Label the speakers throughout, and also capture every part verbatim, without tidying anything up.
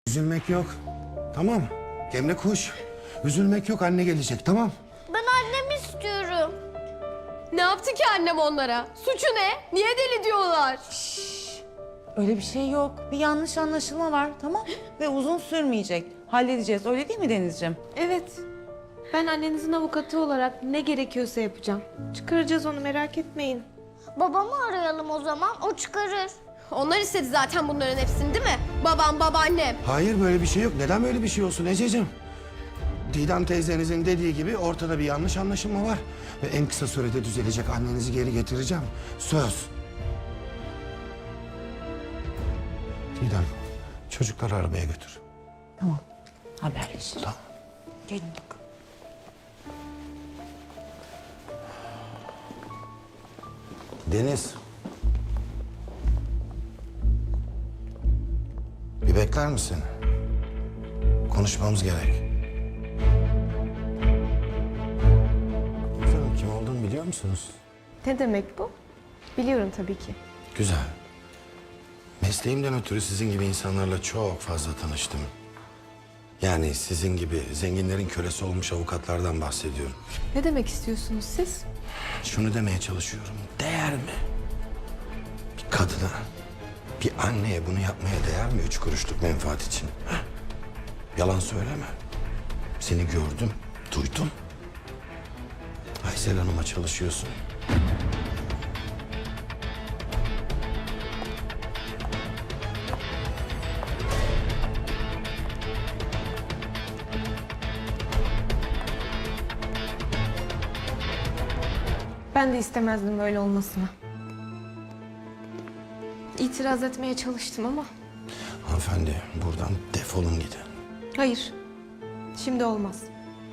Speaker 1: Üzülmek yok. Tamam. Emre koş. Üzülmek yok, anne gelecek, tamam.
Speaker 2: Ben annemi istiyorum.
Speaker 3: Ne yaptı ki annem onlara? Suçu ne? Niye deli diyorlar?
Speaker 4: Öyle bir şey yok. Bir yanlış anlaşılma var, tamam? Ve uzun sürmeyecek. Halledeceğiz. Öyle değil mi Denizciğim?
Speaker 3: Evet. Ben annenizin avukatı olarak ne gerekiyorsa yapacağım. Çıkaracağız onu, merak etmeyin.
Speaker 2: Babamı arayalım o zaman, o çıkarır.
Speaker 3: Onlar istedi zaten bunların hepsini, değil mi? Babam, babaannem.
Speaker 1: Hayır, böyle bir şey yok. Neden böyle bir şey olsun Ececiğim? Didem teyzenizin dediği gibi ortada bir yanlış anlaşılma var. Ve en kısa sürede düzelecek. Annenizi geri getireceğim. Söz. Didem, çocukları arabaya götür.
Speaker 4: Tamam. Haberleşiriz.
Speaker 1: Tamam.
Speaker 4: Gelin bakalım.
Speaker 1: Deniz. Bir bekler misin? Konuşmamız gerek. Efendim, kim olduğunu biliyor musunuz?
Speaker 3: Ne demek bu? Biliyorum tabii ki.
Speaker 1: Güzel. Mesleğimden ötürü sizin gibi insanlarla çok fazla tanıştım. Yani sizin gibi zenginlerin kölesi olmuş avukatlardan bahsediyorum.
Speaker 3: Ne demek istiyorsunuz siz?
Speaker 1: Şunu demeye çalışıyorum. Değer mi? Bir kadına, bir anneye bunu yapmaya değer mi üç kuruşluk menfaat için? Heh? Yalan söyleme. Seni gördüm, duydum. Aysel Hanım'a çalışıyorsun.
Speaker 3: Ben de istemezdim böyle olmasını. İtiraz etmeye çalıştım ama
Speaker 1: Hanımefendi, buradan defolun gidin.
Speaker 3: hayır. Şimdi olmaz.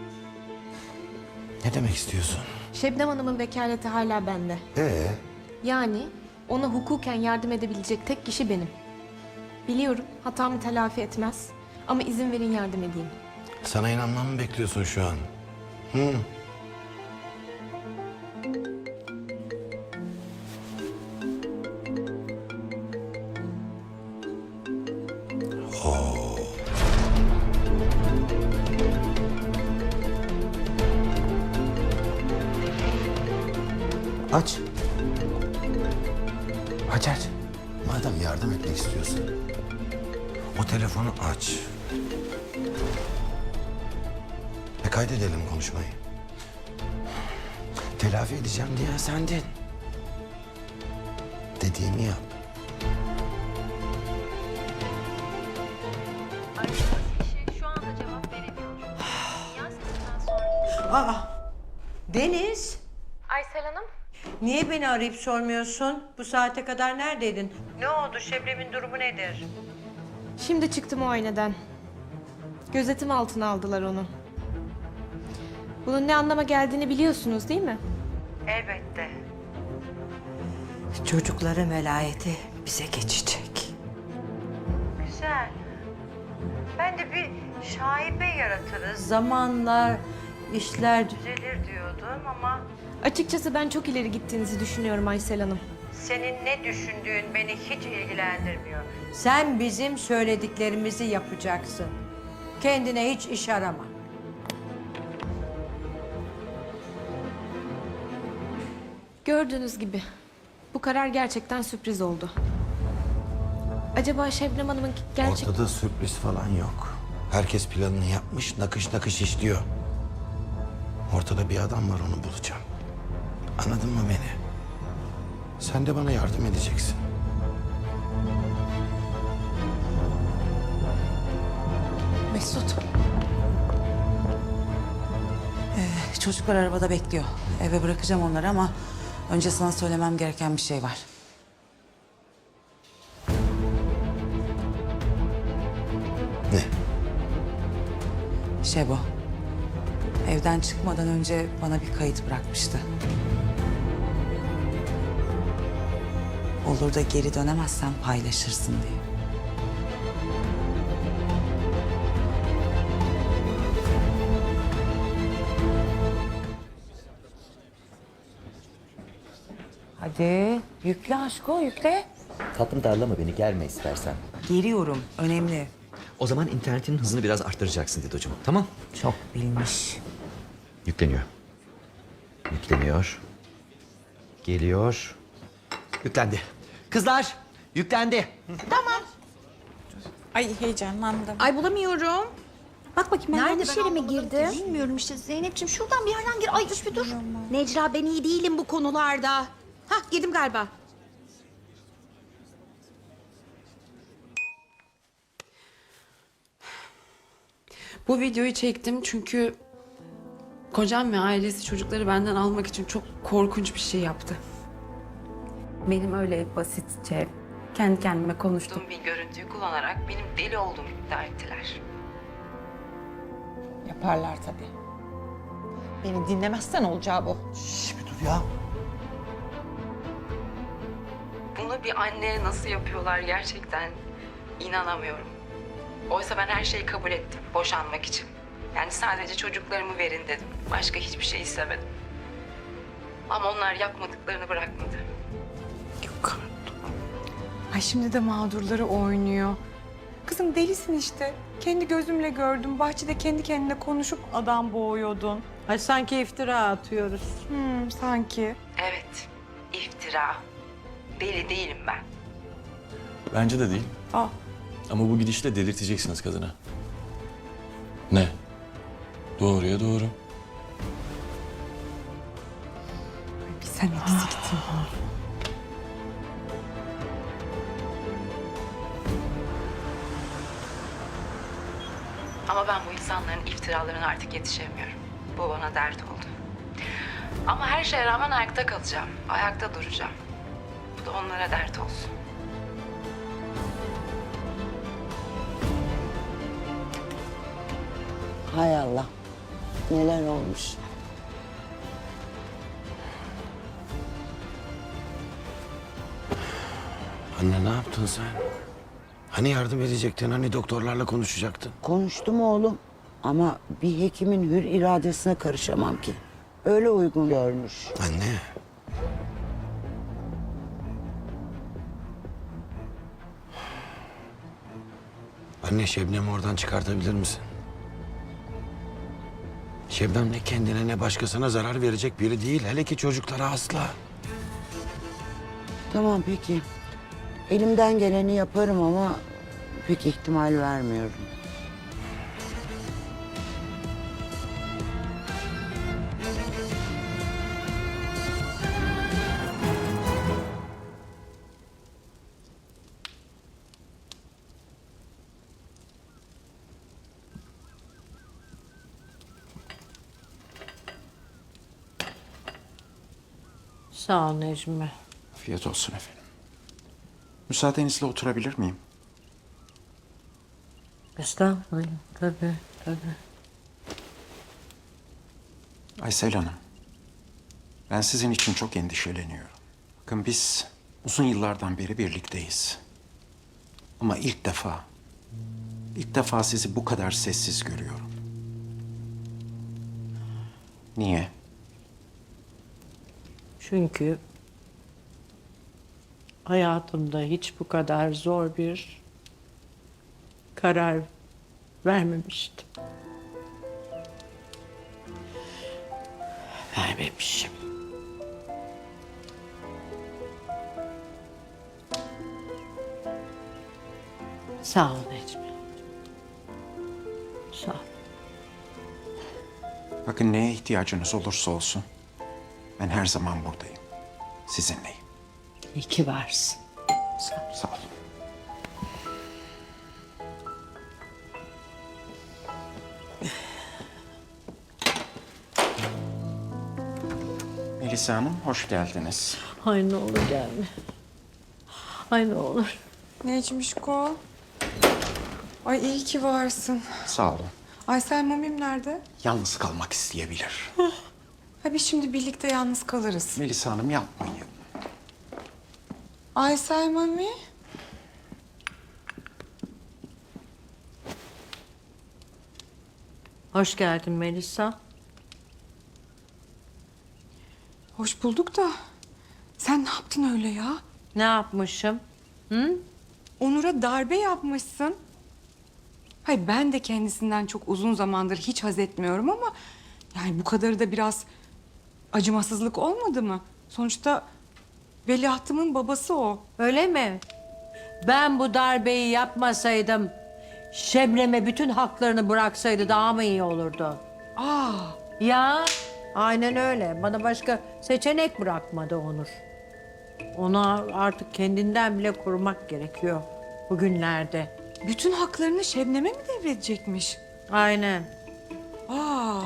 Speaker 1: Ne demek istiyorsun?
Speaker 3: Şebnem Hanım'ın vekaleti hala bende.
Speaker 1: Ee,
Speaker 3: Yani ona hukuken yardım edebilecek tek kişi benim. Biliyorum hatamı telafi etmez ama izin verin yardım edeyim.
Speaker 1: sana inanmamı mı bekliyorsun şu an? Hı? Oo. Aç. Aç aç. Madem yardım etmek istiyorsun, o telefonu aç. Ve kaydedelim konuşmayı. Telafi edeceğim diyen sendin. Dediğimi yap.
Speaker 5: Aradığınız kişi şu anda cevap veremiyor. Sinyal sesinden sonra...
Speaker 6: Aa, Deniz,
Speaker 3: Aysel Hanım?
Speaker 6: niye beni arayıp sormuyorsun? Bu saate kadar neredeydin? Ne oldu? Şebnem'in durumu nedir?
Speaker 3: Şimdi çıktım muayeneden. Gözetim altına aldılar onu. Bunun ne anlama geldiğini biliyorsunuz değil mi?
Speaker 6: Elbette. Çocukların velayeti bize geçecek. Güzel. Ben de bir şaibe yaratırız. Zamanla işler düzelir diyordum ama...
Speaker 3: Açıkçası ben çok ileri gittiğinizi düşünüyorum Aysel Hanım.
Speaker 6: Senin ne düşündüğün beni hiç ilgilendirmiyor. Sen bizim söylediklerimizi yapacaksın. Kendine hiç iş arama.
Speaker 3: Gördüğünüz gibi bu karar gerçekten sürpriz oldu. Acaba Şebnem Hanım'ın gerçek...
Speaker 1: Ortada sürpriz falan yok. Herkes planını yapmış, nakış nakış işliyor. Ortada bir adam var, onu bulacağım. Anladın mı beni? Sen de bana yardım edeceksin.
Speaker 4: Mesut. Ee, çocuklar arabada bekliyor. Eve bırakacağım onları ama önce sana söylemem gereken bir şey var.
Speaker 1: Ne?
Speaker 4: Şebo. Evden çıkmadan önce bana bir kayıt bırakmıştı. Olur da geri dönemezsen paylaşırsın diye. Hadi yükle aşko, yükle.
Speaker 7: Tatlım darlama beni, gelme istersen.
Speaker 4: Geliyorum, önemli.
Speaker 7: O zaman internetinin hızını biraz arttıracaksın Didocuğum. Tamam?
Speaker 4: Çok bilmiş.
Speaker 7: Yükleniyor. Yükleniyor. Geliyor. Yüklendi. Kızlar, yüklendi.
Speaker 8: Ay heyecanlandım.
Speaker 9: Ay bulamıyorum.
Speaker 8: Bak bakayım ben
Speaker 9: Nerede
Speaker 8: yanlış
Speaker 9: ben
Speaker 8: yere mi
Speaker 9: anlamadım
Speaker 8: girdim?
Speaker 9: ki. Bilmiyorum işte Zeynep'ciğim şuradan bir yerden gir. Ay dur bir dur. Necla ben iyi değilim bu konularda. Hah girdim galiba.
Speaker 10: Bu videoyu çektim çünkü kocam ve ailesi çocukları benden almak için çok korkunç bir şey yaptı. Benim öyle basitçe kendi kendime konuştuğum bir görüntüyü kullanarak benim deli olduğumu iddia ettiler.
Speaker 8: Yaparlar tabii. Beni dinlemezsen olacağı bu.
Speaker 10: Bunu bir anneye nasıl yapıyorlar gerçekten inanamıyorum. Oysa ben her şeyi kabul ettim boşanmak için. Yani sadece çocuklarımı verin dedim. Başka hiçbir şey istemedim. Ama onlar yapmadıklarını bırakmadı. Yok artık.
Speaker 11: Ay şimdi de mağdurları oynuyor. Kızım delisin işte. Kendi gözümle gördüm. Bahçede kendi kendine konuşup adam boğuyordun.
Speaker 6: Ay sanki iftira atıyoruz.
Speaker 11: Hmm, sanki.
Speaker 10: Evet, iftira. Deli değilim ben.
Speaker 12: Bence de değil.
Speaker 11: Aa.
Speaker 12: Ama bu gidişle delirteceksiniz kadını. Ne? Doğruya doğru.
Speaker 11: Bir sen eksiktin.
Speaker 10: Ama ben bu insanların iftiralarına artık yetişemiyorum. Bu bana dert oldu. Ama her şeye rağmen ayakta kalacağım. Ayakta duracağım. Bu da onlara dert olsun.
Speaker 6: Hay Allah. Neler olmuş.
Speaker 1: Anne ne yaptın sen? Hani yardım edecektin, hani doktorlarla konuşacaktın?
Speaker 6: Konuştum oğlum. Ama bir hekimin hür iradesine karışamam ki. Öyle uygun görmüş.
Speaker 1: Anne. Anne Şebnem'i oradan çıkartabilir misin? Şebnem ne kendine ne başkasına zarar verecek biri değil. Hele ki çocuklara asla.
Speaker 6: Tamam peki. Elimden geleni yaparım ama pek ihtimal vermiyorum. Sağ ol Necmi.
Speaker 13: Afiyet olsun efendim. Müsaadenizle oturabilir miyim?
Speaker 6: Estağfurullah. Tabii, tabii.
Speaker 13: Aysel Hanım, ben sizin için çok endişeleniyorum. Bakın biz uzun yıllardan beri birlikteyiz. Ama ilk defa, ilk defa sizi bu kadar sessiz görüyorum. Niye?
Speaker 6: Çünkü hayatımda hiç bu kadar zor bir karar vermemiştim. Vermemişim. Sağ ol Necmi. Sağ ol.
Speaker 13: Bakın neye ihtiyacınız olursa olsun, ben her zaman buradayım. Sizinleyim.
Speaker 6: İyi ki varsın. Sağ ol.
Speaker 13: Sağ olun. Melisa Hanım, hoş geldiniz.
Speaker 6: Ay ne olur gelme. Ay ne olur.
Speaker 11: Necmişko. Ay iyi ki varsın.
Speaker 13: Sağ olun.
Speaker 11: Aysel Mamim nerede?
Speaker 13: Yalnız kalmak isteyebilir.
Speaker 11: Ha biz şimdi birlikte yalnız kalırız.
Speaker 13: Melisa Hanım yapmayın.
Speaker 11: Aysel Mami.
Speaker 6: Hoş geldin Melisa.
Speaker 11: Hoş bulduk da sen ne yaptın öyle ya?
Speaker 6: Ne yapmışım? Hı?
Speaker 11: Onur'a darbe yapmışsın. Hayır, ben de kendisinden çok uzun zamandır hiç haz etmiyorum ama... yani bu kadarı da biraz acımasızlık olmadı mı? Sonuçta veliahtımın babası o.
Speaker 6: Öyle mi? Ben bu darbeyi yapmasaydım, Şebnem'e bütün haklarını bıraksaydı daha mı iyi olurdu?
Speaker 11: Aa,
Speaker 6: Ya, aynen öyle. Bana başka seçenek bırakmadı Onur. Ona artık kendinden bile korumak gerekiyor bugünlerde.
Speaker 11: bütün haklarını Şebnem'e mi devredecekmiş?
Speaker 6: Aynen.
Speaker 11: Aa.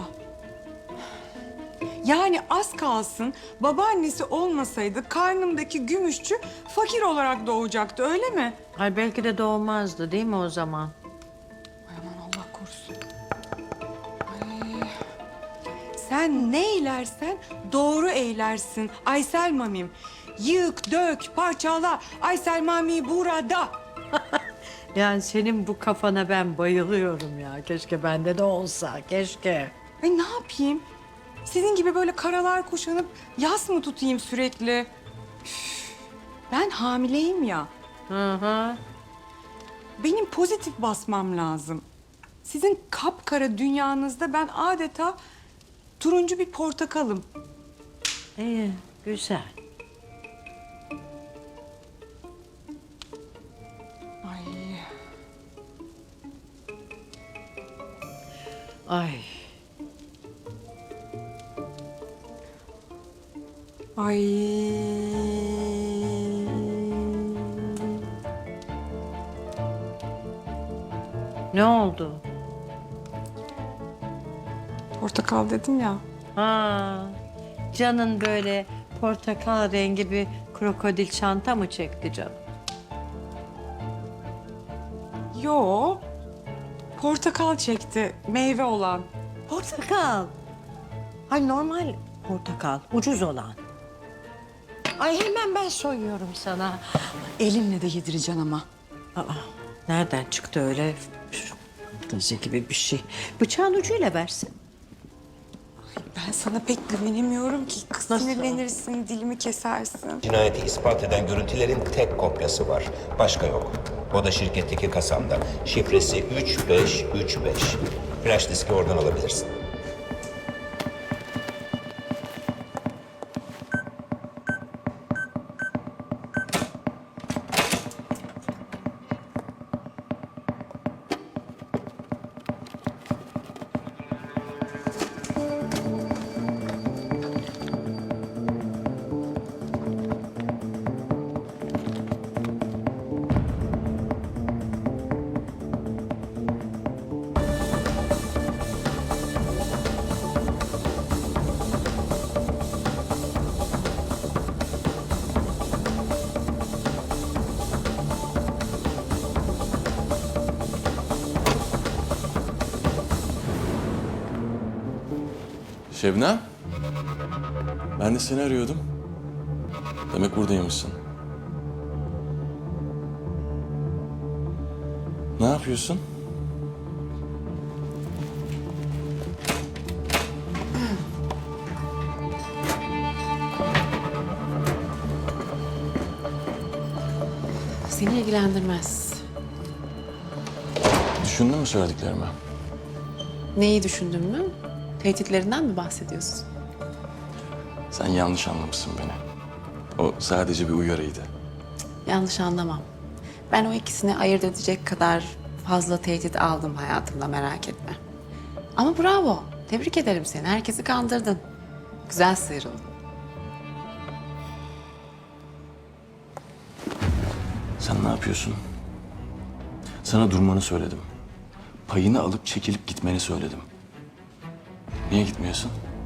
Speaker 11: Yani az kalsın babaannesi olmasaydı karnımdaki gümüşçü fakir olarak doğacaktı, öyle mi?
Speaker 6: Ay belki de doğmazdı değil mi o zaman?
Speaker 11: Ay aman Allah korusun. Ay. Sen ne eylersen doğru eylersin Aysel Mamim. Yık, dök, parçala. Aysel Mami burada.
Speaker 6: Yani senin bu kafana ben bayılıyorum ya. Keşke bende de olsa, keşke.
Speaker 11: Ay ne yapayım? Sizin gibi böyle karalar kuşanıp yas mı tutayım sürekli? Üf, ben hamileyim ya.
Speaker 6: Hı hı.
Speaker 11: Benim pozitif basmam lazım. Sizin kapkara dünyanızda ben adeta turuncu bir portakalım.
Speaker 6: İyi, güzel.
Speaker 11: Ay.
Speaker 6: Ay.
Speaker 11: Ay.
Speaker 6: Ne oldu?
Speaker 11: Portakal dedim ya.
Speaker 6: Ha, canın böyle portakal rengi bir krokodil çanta mı çekti canım?
Speaker 11: Yo. Portakal çekti, meyve olan.
Speaker 6: Portakal. Ay normal portakal, ucuz olan. Ay hemen ben soyuyorum sana.
Speaker 11: Elimle de yedireceksin ama.
Speaker 6: Aa, nereden çıktı öyle fantezi gibi bir şey? Bıçağın ucuyla versin.
Speaker 11: Ben sana pek güvenemiyorum ki. Kız
Speaker 6: Nasıl?
Speaker 11: sinirlenirsin, dilimi kesersin.
Speaker 14: Cinayeti ispat eden görüntülerin tek kopyası var. Başka yok. O da şirketteki kasamda. Şifresi üç beş üç beş. Flash diski oradan alabilirsin.
Speaker 12: Şebnem. Ben de seni arıyordum. Demek buradaymışsın. Ne yapıyorsun?
Speaker 10: Seni ilgilendirmez.
Speaker 12: Düşündün mü söylediklerimi?
Speaker 10: Neyi düşündün mü? Tehditlerinden mi bahsediyorsun?
Speaker 12: Sen yanlış anlamışsın beni. O sadece bir uyarıydı.
Speaker 10: Yanlış anlamam. Ben o ikisini ayırt edecek kadar fazla tehdit aldım hayatımda, merak etme. Ama bravo. Tebrik ederim seni. Herkesi kandırdın. Güzel sıyrıldın.
Speaker 12: Sen ne yapıyorsun? Sana durmanı söyledim. Payını alıp çekilip gitmeni söyledim. Niye gitmiyorsun?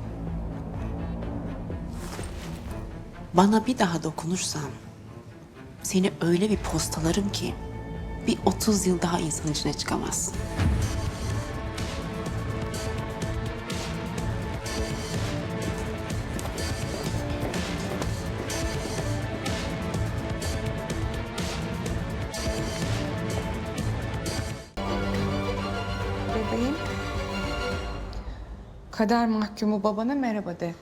Speaker 10: Bana bir daha dokunursan seni öyle bir postalarım ki bir otuz yıl daha insan içine çıkamazsın.
Speaker 11: Bebeğim. Kader mahkumu babana merhaba de.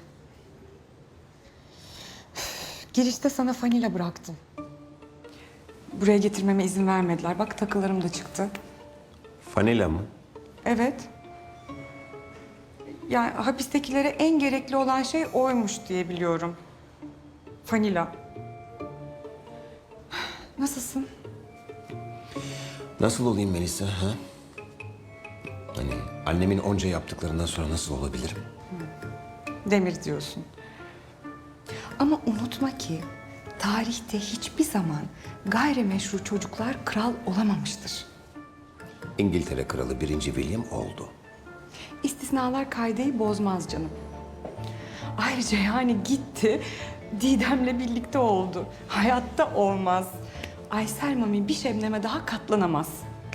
Speaker 11: Girişte sana fanila bıraktım. Buraya getirmeme izin vermediler. Bak takılarım da çıktı.
Speaker 12: Vanilla mı?
Speaker 11: Evet. Yani hapistekilere en gerekli olan şey oymuş diye biliyorum. Vanilla. Nasılsın?
Speaker 13: Nasıl olayım Melisa? Ha? Hani annemin onca yaptıklarından sonra nasıl olabilirim?
Speaker 11: Demir diyorsun. Ama unutma ki tarihte hiçbir zaman gayrimeşru çocuklar kral olamamıştır.
Speaker 13: İngiltere Kralı birinci William oldu.
Speaker 11: İstisnalar kaideyi bozmaz canım. Ayrıca yani gitti, Didem'le birlikte oldu. Hayatta olmaz. Aysel Mami bir Şebnem'e daha katlanamaz.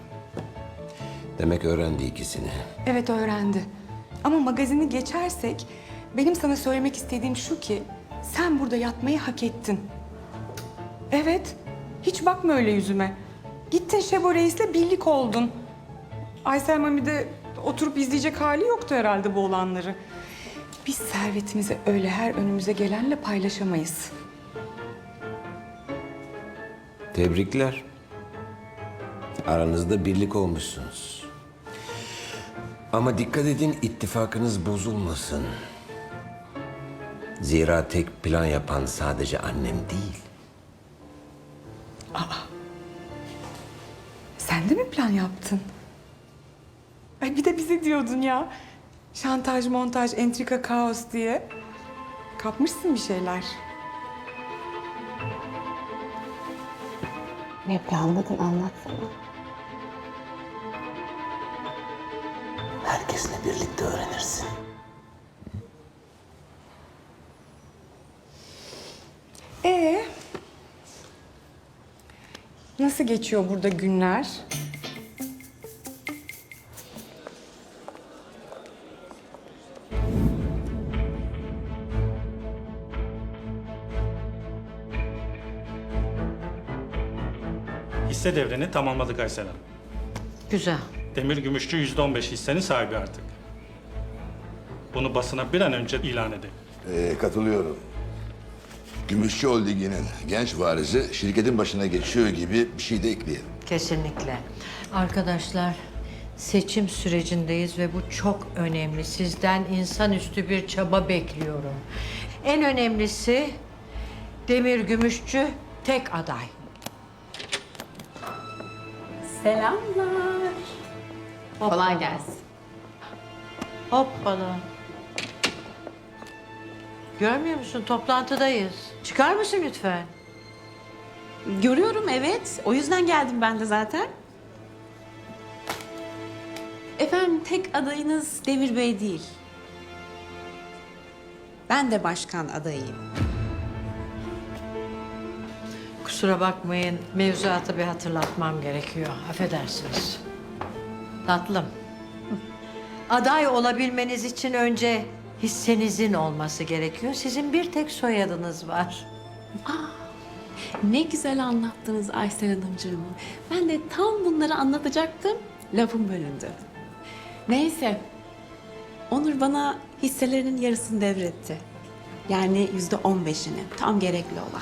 Speaker 13: Demek öğrendi ikisini.
Speaker 11: Evet öğrendi. Ama magazini geçersek benim sana söylemek istediğim şu ki sen burada yatmayı hak ettin. Evet. Hiç bakma öyle yüzüme. Gittin Şebo Reis'le birlik oldun. Aysel Mami de oturup izleyecek hali yoktu herhalde bu olanları. Biz servetimizi öyle her önümüze gelenle paylaşamayız.
Speaker 13: Tebrikler. Aranızda birlik olmuşsunuz. Ama dikkat edin ittifakınız bozulmasın. Zira tek plan yapan sadece annem değil.
Speaker 11: Sen de mi plan yaptın? Ay bir de bize diyordun ya. Şantaj, montaj, entrika, kaos diye. Kapmışsın bir şeyler.
Speaker 6: Ne planladın anlatsana.
Speaker 13: Herkesle birlikte öğrenirsin.
Speaker 11: Ee, nasıl geçiyor burada günler?
Speaker 15: Hisse devrini tamamladık Aysel Hanım.
Speaker 6: Güzel.
Speaker 15: Demir Gümüşçü yüzde on beş hissenin sahibi artık. Bunu basına bir an önce ilan edin.
Speaker 16: Ee, katılıyorum. Gümüşçü Holding'inin genç varisi şirketin başına geçiyor gibi bir şey de ekleyelim.
Speaker 6: Kesinlikle. Arkadaşlar seçim sürecindeyiz ve bu çok önemli. Sizden insanüstü bir çaba bekliyorum. En önemlisi Demir Gümüşçü tek aday.
Speaker 3: Selamlar. Kolay gelsin.
Speaker 6: Hoppala. Görmüyor musun? Toplantıdayız. Çıkar mısın lütfen?
Speaker 3: Görüyorum evet. O yüzden geldim ben de zaten. Efendim tek adayınız Demir Bey değil. Ben de başkan adayıyım.
Speaker 6: Kusura bakmayın. Mevzuatı bir hatırlatmam gerekiyor. Affedersiniz. Tatlım. Aday olabilmeniz için önce hissenizin olması gerekiyor. Sizin bir tek soyadınız var.
Speaker 3: Ne güzel anlattınız Aysel Hanımcığım. Ben de tam bunları anlatacaktım. Lafım bölündü. Neyse. Onur bana hisselerinin yarısını devretti. Yani yüzde on beşini. Tam gerekli olan.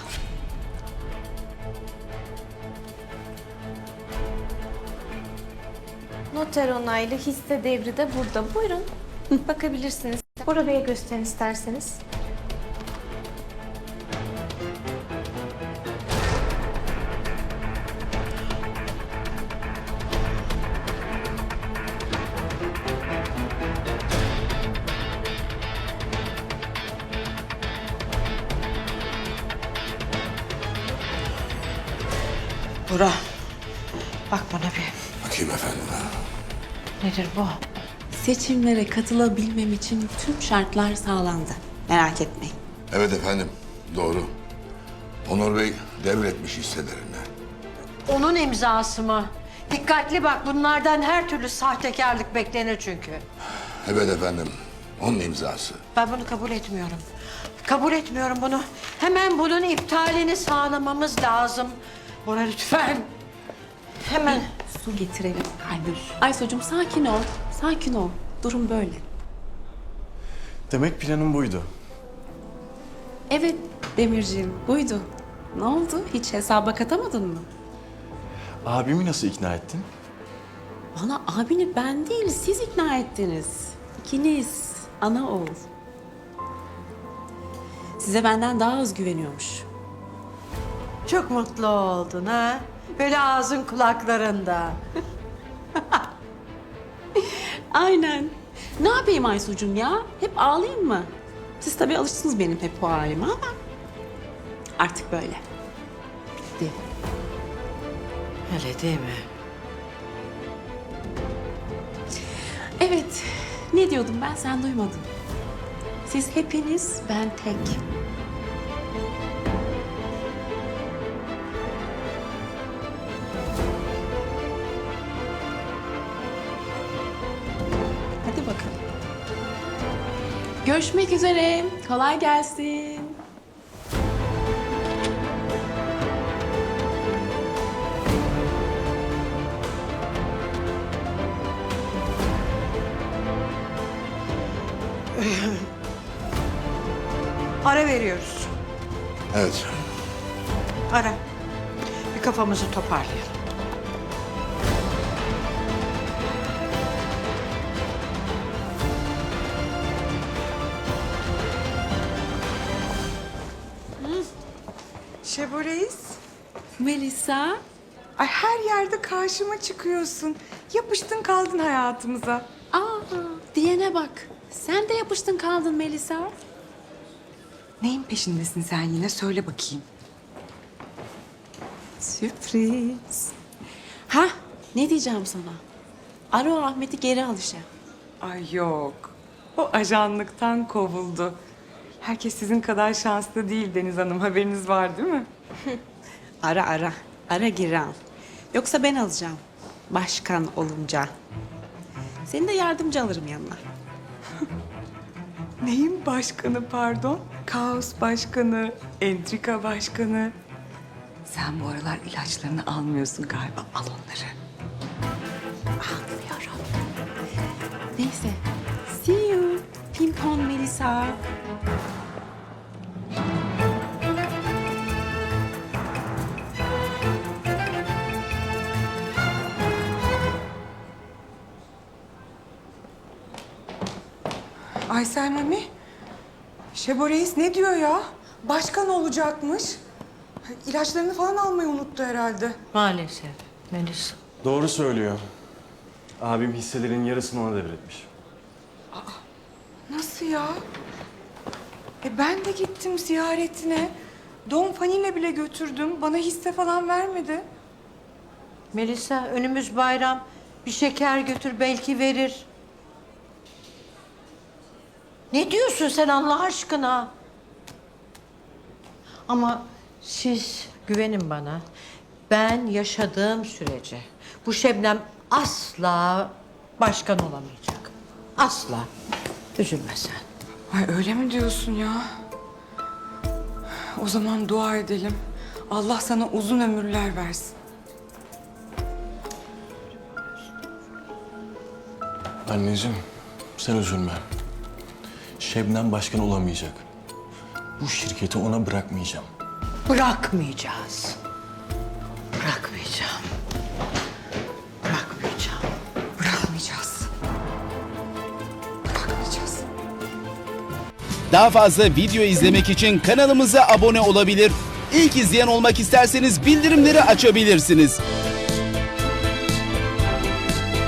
Speaker 3: Noter onaylı hisse devri de burada. Buyurun. Bakabilirsiniz. Bora Bey'e gösterin isterseniz.
Speaker 6: Bora. Bak bana bir.
Speaker 16: Bakayım efendim.
Speaker 6: Nedir bu?
Speaker 3: Seçimlere katılabilmem için tüm şartlar sağlandı. Merak etmeyin.
Speaker 16: Evet efendim, doğru. Onur Bey devretmiş hisselerini.
Speaker 6: Onun imzası mı? Dikkatli bak, bunlardan her türlü sahtekarlık beklenir çünkü.
Speaker 16: Evet efendim, onun imzası.
Speaker 6: Ben bunu kabul etmiyorum. Kabul etmiyorum bunu. Hemen bunun iptalini sağlamamız lazım. Bora lütfen. Hemen.
Speaker 3: Su getirelim kalbim. Aysocuğum sakin ol. Sakin ol. Durum böyle.
Speaker 12: Demek planın buydu.
Speaker 3: Evet Demirciğim buydu. Ne oldu? Hiç hesaba katamadın mı?
Speaker 12: Abimi nasıl ikna ettin?
Speaker 3: Bana abini ben değil siz ikna ettiniz. İkiniz ana oğul. Size benden daha az güveniyormuş.
Speaker 6: Çok mutlu oldun ha? Böyle ağzın kulaklarında.
Speaker 3: Aynen. Ne yapayım Aysucuğum ya? Hep ağlayayım mı? Siz tabii alıştınız benim hep bu halime ama artık böyle. Bitti.
Speaker 6: Öyle değil mi?
Speaker 3: Evet. Ne diyordum ben sen duymadın. Siz hepiniz ben tek. Hadi bakalım. Görüşmek üzere. Kolay gelsin.
Speaker 6: Ara veriyoruz.
Speaker 16: Evet.
Speaker 6: Ara. Bir kafamızı toparlayalım.
Speaker 11: Şebo Reis.
Speaker 3: Melisa.
Speaker 11: Ay her yerde karşıma çıkıyorsun. Yapıştın kaldın hayatımıza.
Speaker 3: Aa, diyene bak. Sen de yapıştın kaldın Melisa.
Speaker 11: Neyin peşindesin sen yine? Söyle bakayım.
Speaker 3: Sürpriz. Ha, ne diyeceğim sana? Ara o Ahmet'i geri al işe.
Speaker 11: Ay yok. O ajanlıktan kovuldu. Herkes sizin kadar şanslı değil Deniz Hanım. Haberiniz var değil mi?
Speaker 3: Ara ara. Ara geri al. Yoksa ben alacağım. Başkan olunca. Seni de yardımcı alırım yanına.
Speaker 11: Neyin başkanı pardon? Kaos başkanı, entrika başkanı. Sen bu aralar ilaçlarını almıyorsun galiba. Al onları.
Speaker 3: Anlıyorum. Neyse. See you. Pimpon Melisa.
Speaker 11: Aysel Mami, Şebo Reis ne diyor ya? Başkan olacakmış. İlaçlarını falan almayı unuttu herhalde.
Speaker 6: Maalesef Melisa.
Speaker 12: Doğru söylüyor. Abim hisselerin yarısını ona devretmiş.
Speaker 11: Nasıl ya? E ben de gittim ziyaretine. Don Fani'yle bile götürdüm. Bana hisse falan vermedi.
Speaker 6: Melisa önümüz bayram. Bir şeker götür belki verir. Ne diyorsun sen Allah aşkına? Ama siz güvenin bana. Ben yaşadığım sürece bu Şebnem asla başkan olamayacak. Asla. Üzülme sen.
Speaker 11: Ay öyle mi diyorsun ya? O zaman dua edelim. Allah sana uzun ömürler versin.
Speaker 12: Anneciğim, sen üzülme. Şebnem başkan olamayacak. Bu şirketi ona bırakmayacağım.
Speaker 6: Bırakmayacağız. Bırakmayacağım. Bırakmayacağım.
Speaker 11: Bırakmayacağız. Bırakmayacağız.
Speaker 17: Daha fazla video izlemek için kanalımıza abone olabilir. İlk izleyen olmak isterseniz bildirimleri açabilirsiniz.